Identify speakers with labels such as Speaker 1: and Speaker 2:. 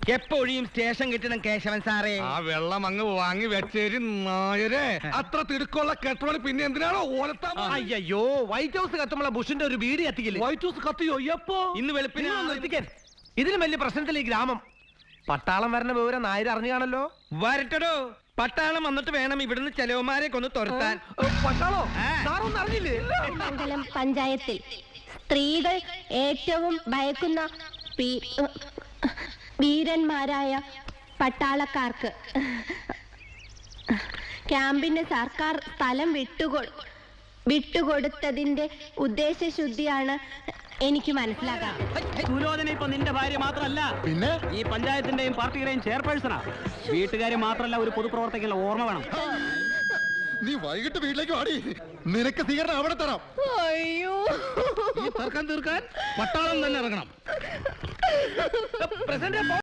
Speaker 1: എപ്പോഴും സ്റ്റേഷൻ കിട്ടണം കേശവൻ സാറേ.
Speaker 2: ആ വെള്ളം അങ്ങ് വാങ്ങി വെച്ചേരി നായരെ. അത്ര തിടുക്കുള്ള കെട്ടോണി പിന്നെ എന്തിനാണോ ഓലത്താൻ?
Speaker 1: അയ്യോ, വൈറ്റ് ഹൗസ് കത്തുമ്പോൾ ബുഷിന്റെ ഒരു വീട് കത്തിക്കില്ലേ?
Speaker 2: White house കത്തിയോ? എപ്പോ?
Speaker 1: ഇന്ന് വെളുപ്പിന്. ഇതിലും വലിയ പ്രശ്നത്തിൽ ഈ ഗ്രാമം. പട്ടാളം വരണ വിവരം നായർ അറിഞ്ഞു കാണല്ലോ. വരട്ടടോ, പട്ടാളം വന്നിട്ട് വേണം ഇവിടുന്ന് ചെലവന്മാരെ കൊന്ന് തുരത്താൻ.
Speaker 2: പട്ടാളോ? സാറൊന്നും അറിഞ്ഞില്ലേ?
Speaker 3: മംഗലം പഞ്ചായത്തിൽ സ്ത്രീകൾ ഏറ്റവും ഭയക്കുന്ന വീരന്മാരായ പട്ടാളക്കാർക്ക് ക്യാമ്പിന് സർക്കാർ സ്ഥലം വിട്ടുകൊടുത്തതിന്റെ ഉദ്ദേശശുദ്ധിയാണ് എനിക്ക് മനസ്സിലാക്കാം.
Speaker 4: സുലോചന ഇപ്പൊ നിന്റെ ഭാര്യ മാത്രമല്ല,
Speaker 2: പിന്നെ
Speaker 4: ഈ പഞ്ചായത്തിന്റെയും പാർട്ടിയുടെയും ചെയർപേഴ്സണാ. വീട്ടുകാരെ മാത്രമല്ല, ഒരു പൊതുപ്രവർത്തകനുള്ള ഓർമ്മ വേണം.
Speaker 2: നീ വൈകിട്ട് വീട്ടിലേക്ക് വാടി, നിനക്ക് സ്വീകരണം അവിടെ തരാം.
Speaker 3: അയ്യോ,
Speaker 1: തീർക്കാൻ പട്ടാളം തന്നെ ഇറങ്ങണം.